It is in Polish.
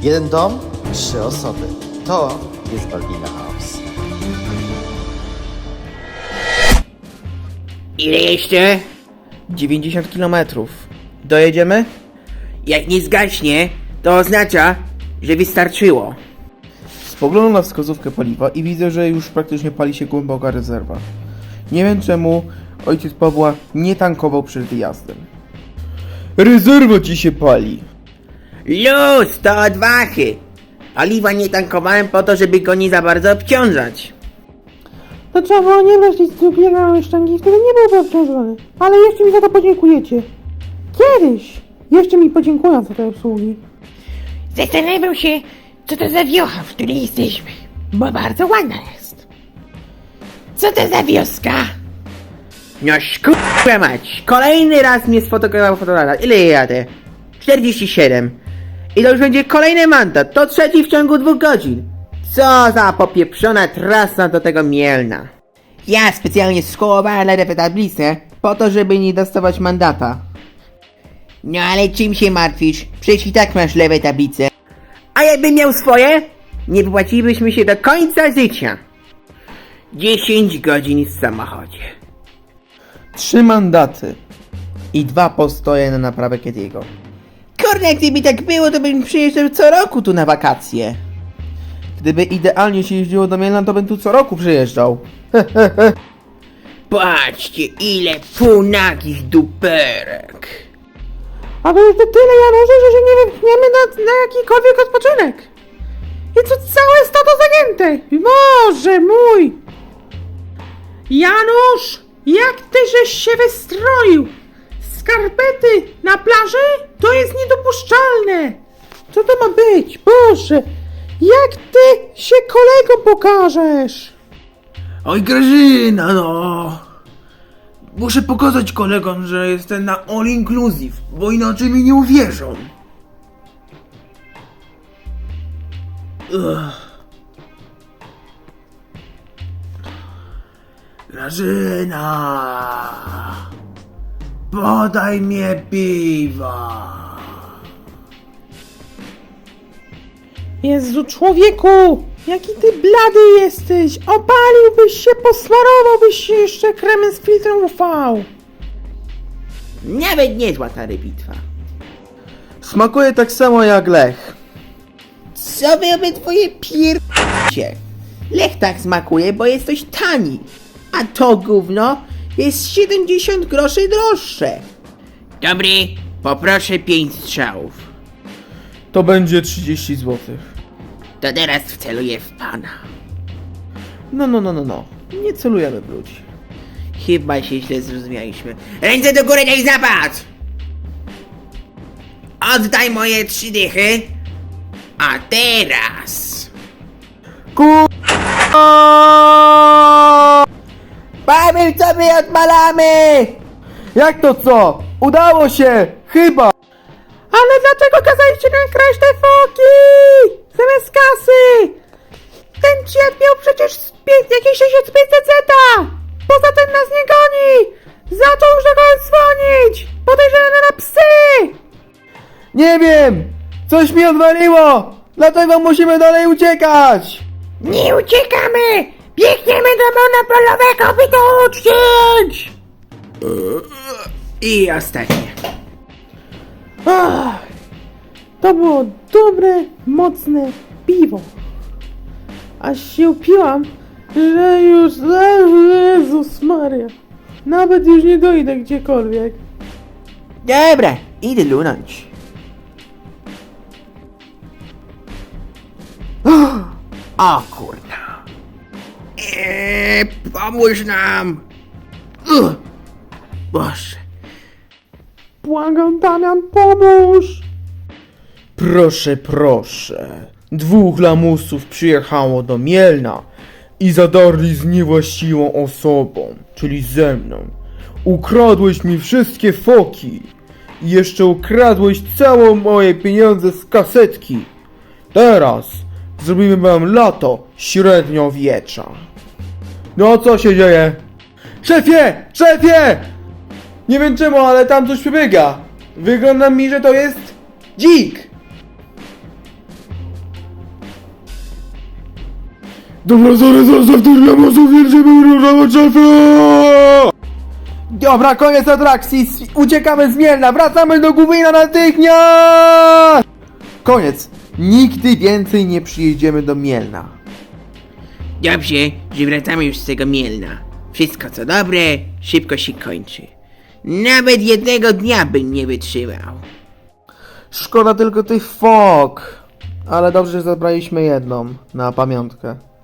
Jeden dom, 3 osoby. To jest Balbina House. Ile jeszcze? 90 km. Dojedziemy? Jak nie zgaśnie, to oznacza, że wystarczyło. Spoglądam na wskazówkę paliwa i widzę, że już praktycznie pali się głęboka rezerwa. Nie wiem czemu ojciec Pawła nie tankował przed wyjazdem. Rezerwa ci się pali. Luz, to odwachy. Paliwa nie tankowałem po to, żeby go nie za bardzo obciążać. To trzeba było nie brać nic drugiego sztangi, wtedy nie byłby obciążony. Ale jeszcze mi za to podziękujecie. Kiedyś jeszcze mi podziękują za te usługi. Zastanawiam się, co to za wiocha, w której jesteśmy, bo bardzo ładna jest. Co to za wioska? No szkurwa mać, kolejny raz mnie sfotografował fotografia. Ile ja jadę? 47. I to już będzie kolejny mandat, to trzeci w ciągu 2 godzin. Co za popieprzona trasa do tego Mielna. Ja specjalnie skołowałem lewą tablicę po to, żeby nie dostawać mandata. No ale czym się martwisz? Przecież i tak masz lewe tablice. A jakbym miał swoje? Nie wypłacilibyśmy się do końca życia. 10 godzin w samochodzie. 3 mandaty. I 2 postoje na naprawę Kediego. Kurde, gdyby tak było, to bym przyjeżdżał co roku tu na wakacje. Gdyby idealnie się jeździło do Mielna, to bym tu co roku przyjeżdżał. Patrzcie, ile półnagich duperek. A to już to tyle, Janusze, że się nie wypchniemy na jakikolwiek odpoczynek. I to całe stado zagięte. Boże mój! Janusz, jak ty żeś się wystroił? Skarpety na plaży? To jest niedopuszczalne. Co to ma być? Boże, jak ty się kolegom pokażesz? Oj Grażyna, no! Muszę pokazać kolegom, że jestem na all inclusive, bo inaczej mi nie uwierzą. Ugh. Grażyna! Podaj mnie piwa! Jezu, człowieku! Jaki ty blady jesteś! Opaliłbyś się, posmarowałbyś się jeszcze kremem z filtrem UV! Nawet niezła ta rybitwa. Smakuje tak samo jak Lech. Co wy obydwoje pier***cie? Lech tak smakuje, bo jest dość tani. A to gówno jest 70 groszy droższe. Dobry, poproszę 5 strzałów. To będzie 30 zł. To teraz wceluję w pana. No. Nie celujemy w ludzi. Chyba się źle zrozumialiśmy. Ręce do góry, daj zapad! Oddaj moje 3 dychy. A teraz... Powiem, co my odmalamy! Jak to co? Udało się! Chyba! Ale dlaczego kazaliście nam kraść te foki? Zamiast kasy! Ten dziad miał przecież jakieś 6500 zeta! Poza tym nas nie goni! Zaczął już do kogoś dzwonić! Podejrzewamy na psy! Nie wiem! Coś mi odwaliło! Dlatego musimy dalej uciekać! Nie uciekamy! Biegniemy do monopolowego, by to uczcić! I ostatnie. Ach, to było dobre, mocne piwo. Aż się upiłam, że już... Jezus Maria. Nawet już nie dojdę gdziekolwiek. Dobra, idę lunąć. O kurna. Pomóż nam. Boże. Błagam, Damian, pomóż! Proszę. 2 lamusów przyjechało do Mielna i zadarli z niewłaściwą osobą, czyli ze mną. Ukradłeś mi wszystkie foki i jeszcze ukradłeś całe moje pieniądze z kasetki. Teraz zrobimy wam lato średniowiecza. No co się dzieje? Szefie! Nie wiem czemu, ale tam coś przebiega. Wygląda mi, że to jest dzik. Dobra, sorry, zostaw tych lamusów, jedziemy różowo szefę! Dobra, koniec atrakcji, uciekamy z Mielna, wracamy do Gubina natychmiast! Koniec, nigdy więcej nie przyjedziemy do Mielna. Dobrze, że wracamy już z tego Mielna. Wszystko co dobre, szybko się kończy. Nawet jednego dnia bym nie wytrzymał. Szkoda tylko tych fok. Ale dobrze, że zabraliśmy jedną na pamiątkę.